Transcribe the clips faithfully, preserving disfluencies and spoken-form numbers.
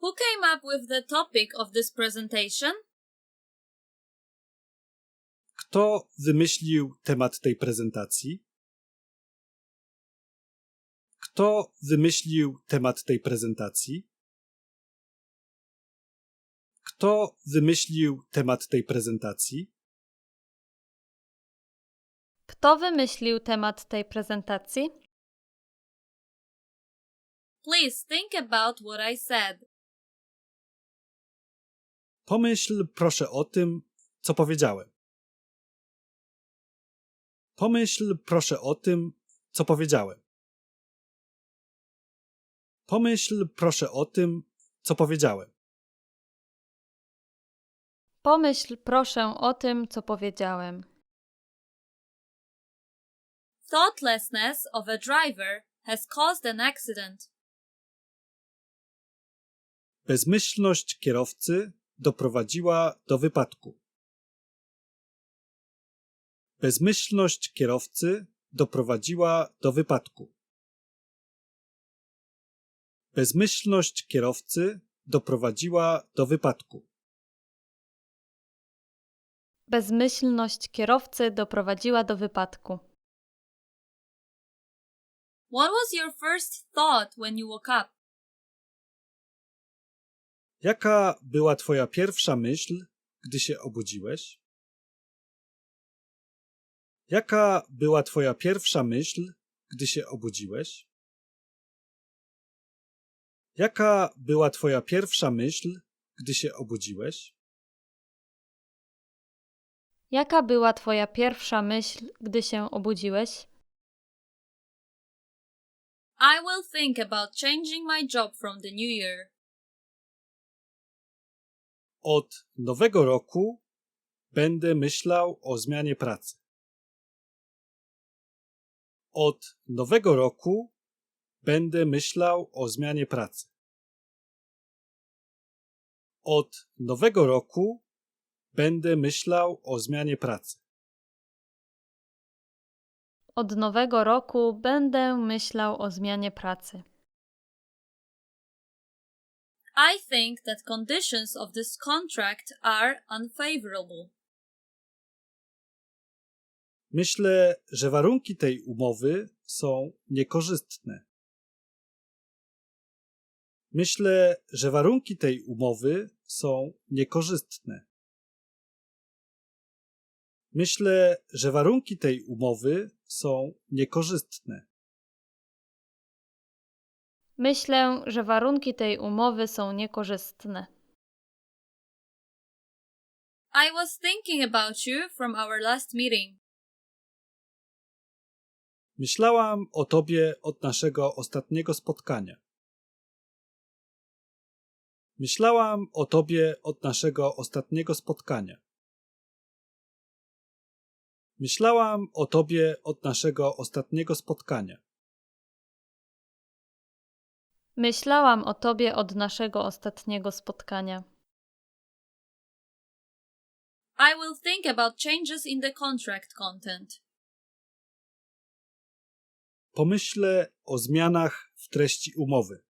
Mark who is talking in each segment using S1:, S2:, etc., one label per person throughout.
S1: Who came up with the topic of this presentation?
S2: Kto wymyślił temat tej prezentacji? Kto wymyślił temat tej prezentacji? Kto wymyślił temat tej prezentacji?
S3: Kto wymyślił temat tej prezentacji?
S1: Please think about what I said.
S2: Pomyśl proszę o tym, co powiedziałem. Pomyśl proszę o tym, co powiedziałem. Pomyśl proszę o tym, co powiedziałem.
S3: Pomyśl proszę o tym, co powiedziałem.
S1: Thoughtlessness of a driver has caused an accident.
S2: Bezmyślność kierowcy doprowadziła do wypadku. Bezmyślność kierowcy doprowadziła do wypadku. Bezmyślność kierowcy doprowadziła do wypadku.
S3: Bezmyślność kierowcy doprowadziła do wypadku.
S1: What was your first thought when you woke up?
S2: Jaka była twoja pierwsza myśl, gdy się obudziłeś? Jaka była twoja pierwsza myśl, gdy się obudziłeś? Jaka była twoja pierwsza myśl, gdy się obudziłeś?
S3: Jaka była twoja pierwsza myśl, gdy się obudziłeś?
S1: I will think about changing my job from the new year.
S2: Od nowego roku będę myślał o zmianie pracy. Od nowego roku będę myślał o zmianie pracy. Od nowego roku będę myślał o zmianie pracy.
S3: Od nowego roku będę myślał o zmianie pracy.
S1: I think that conditions of this contract are unfavorable.
S2: Myślę, że warunki tej umowy są niekorzystne. Myślę, że warunki tej umowy są niekorzystne. Myślę, że warunki tej umowy są niekorzystne.
S3: Myślę, że warunki tej umowy są niekorzystne.
S1: I was thinking about you from our last meeting.
S2: Myślałam o tobie od naszego ostatniego spotkania. Myślałam o tobie od naszego ostatniego spotkania. Myślałam o tobie od naszego ostatniego spotkania.
S3: Myślałam o tobie od naszego ostatniego spotkania.
S1: I will think about changes in the contract content.
S2: Pomyślę o zmianach w treści umowy.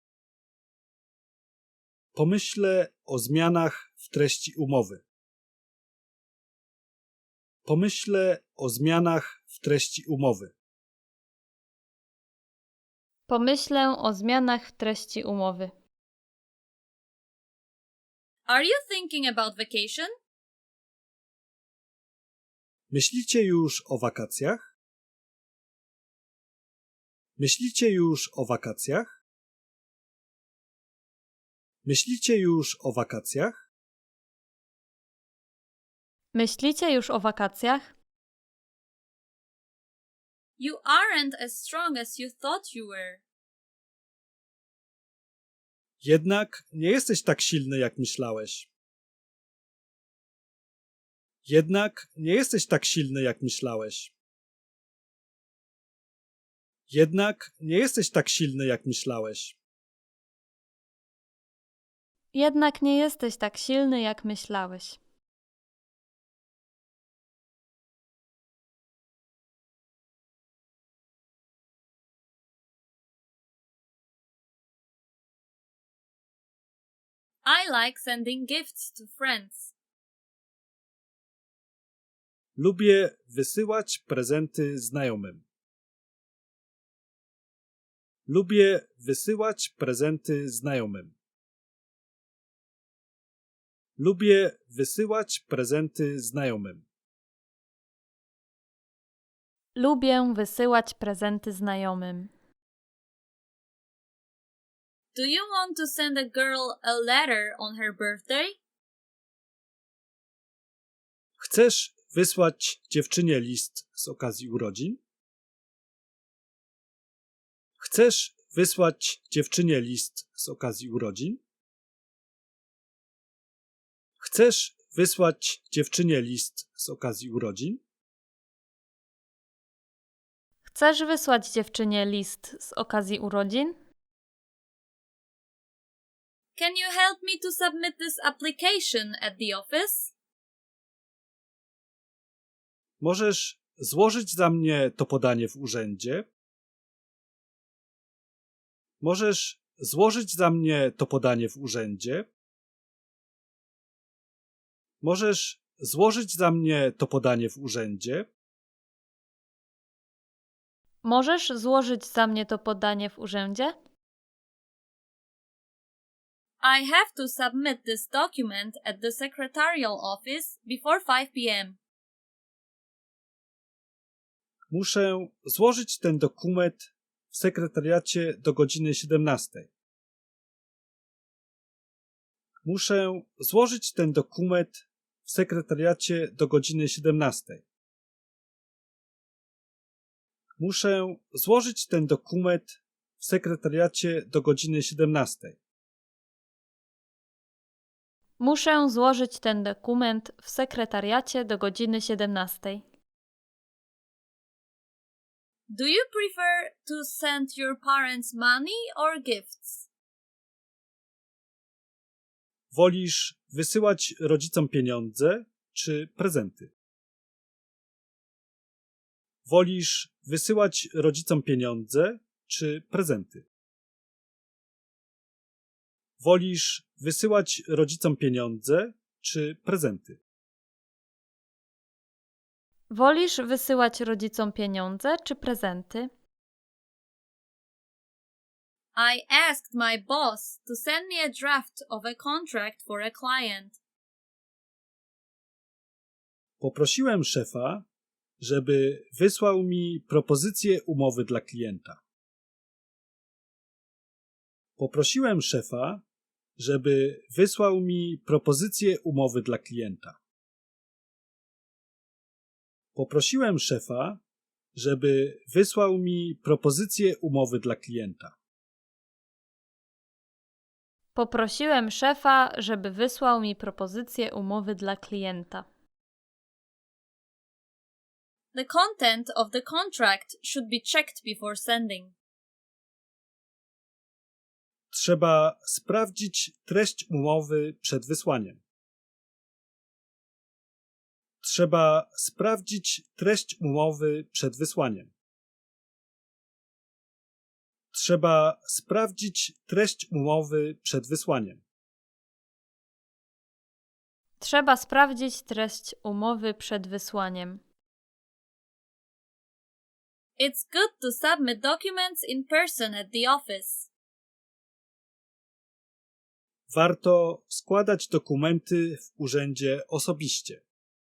S2: Pomyślę o zmianach w treści umowy. Pomyślę o zmianach w treści umowy.
S3: Pomyślę o zmianach w treści umowy.
S1: Are you thinking about vacation?
S2: Myślicie już o wakacjach? Myślicie już o wakacjach? Myślicie już o wakacjach?
S3: Myślicie już o wakacjach?
S1: You aren't as strong as you thought you were.
S2: Jednak nie jesteś tak silny, jak myślałeś. Jednak nie jesteś tak silny, jak myślałeś. Jednak nie jesteś tak silny, jak myślałeś.
S3: Jednak nie jesteś tak silny, jak myślałeś.
S1: I like sending gifts to friends.
S2: Lubię wysyłać prezenty znajomym. Lubię wysyłać prezenty znajomym. Lubię wysyłać prezenty znajomym.
S3: Lubię wysyłać prezenty znajomym.
S1: Do you want to send a girl a letter on her birthday?
S2: Chcesz wysłać dziewczynie list z okazji urodzin? Chcesz wysłać dziewczynie list z okazji urodzin? Chcesz wysłać dziewczynie list z okazji urodzin?
S3: Chcesz wysłać dziewczynie list z okazji urodzin?
S1: Can you help me to submit this application at the office?
S2: Możesz złożyć za mnie to podanie w urzędzie? Możesz złożyć za mnie to podanie w urzędzie? Możesz złożyć za mnie to podanie w urzędzie?
S3: Możesz złożyć za mnie to podanie w urzędzie?
S1: I have to submit this document at the secretarial office before five p m
S2: Muszę złożyć ten dokument w sekretariacie do godziny siedemnastej. Muszę złożyć ten dokument w sekretariacie do godziny siedemnastej. Muszę złożyć ten dokument w sekretariacie do godziny siedemnastej.
S3: Muszę złożyć ten dokument w sekretariacie do godziny siedemnastej.
S1: Do you prefer to send your parents money or gifts?
S2: Wolisz wysyłać rodzicom pieniądze czy prezenty? Wolisz wysyłać rodzicom pieniądze czy prezenty? Wolisz wysyłać rodzicom pieniądze czy prezenty?
S3: Wolisz wysyłać rodzicom pieniądze czy prezenty?
S1: I asked my boss to send me a draft of a contract for a client.
S2: Poprosiłem szefa, żeby wysłał mi propozycję umowy dla klienta. Poprosiłem szefa, żeby wysłał mi propozycję umowy dla klienta. Poprosiłem szefa, żeby wysłał mi propozycję umowy dla klienta.
S3: Poprosiłem szefa, żeby wysłał mi propozycję umowy dla klienta.
S1: The content of the contract should be checked before sending.
S2: Trzeba sprawdzić treść umowy przed wysłaniem. Trzeba sprawdzić treść umowy przed wysłaniem. Trzeba sprawdzić treść umowy przed wysłaniem.
S3: Trzeba sprawdzić treść umowy przed wysłaniem.
S1: It's good to submit documents in person at the office.
S2: Warto składać dokumenty w urzędzie osobiście.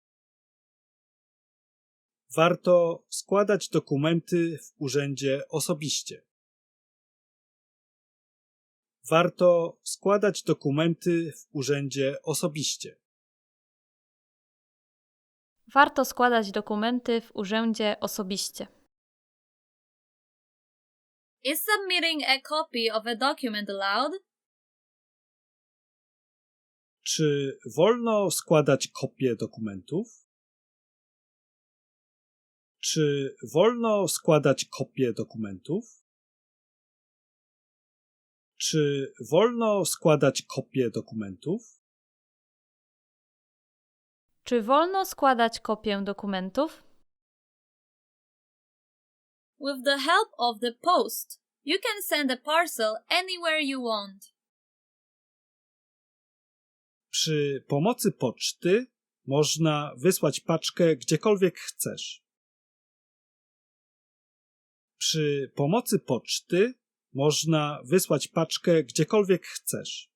S2: Warto składać dokumenty w urzędzie osobiście. Warto składać dokumenty w urzędzie osobiście.
S3: Warto składać dokumenty w urzędzie osobiście.
S1: Is submitting a copy of a document allowed?
S2: Czy wolno składać kopie dokumentów? Czy wolno składać kopie dokumentów? Czy wolno składać kopie dokumentów?
S3: Czy wolno składać kopię dokumentów?
S1: With the help of the post, you can send a parcel anywhere you want.
S2: Przy pomocy poczty można wysłać paczkę gdziekolwiek chcesz. Przy pomocy poczty można wysłać paczkę gdziekolwiek chcesz.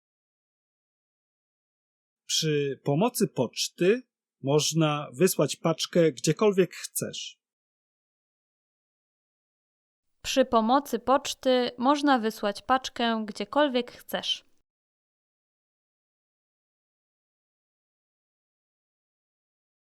S2: Przy pomocy poczty można wysłać paczkę gdziekolwiek chcesz.
S3: Przy pomocy poczty można wysłać paczkę gdziekolwiek chcesz.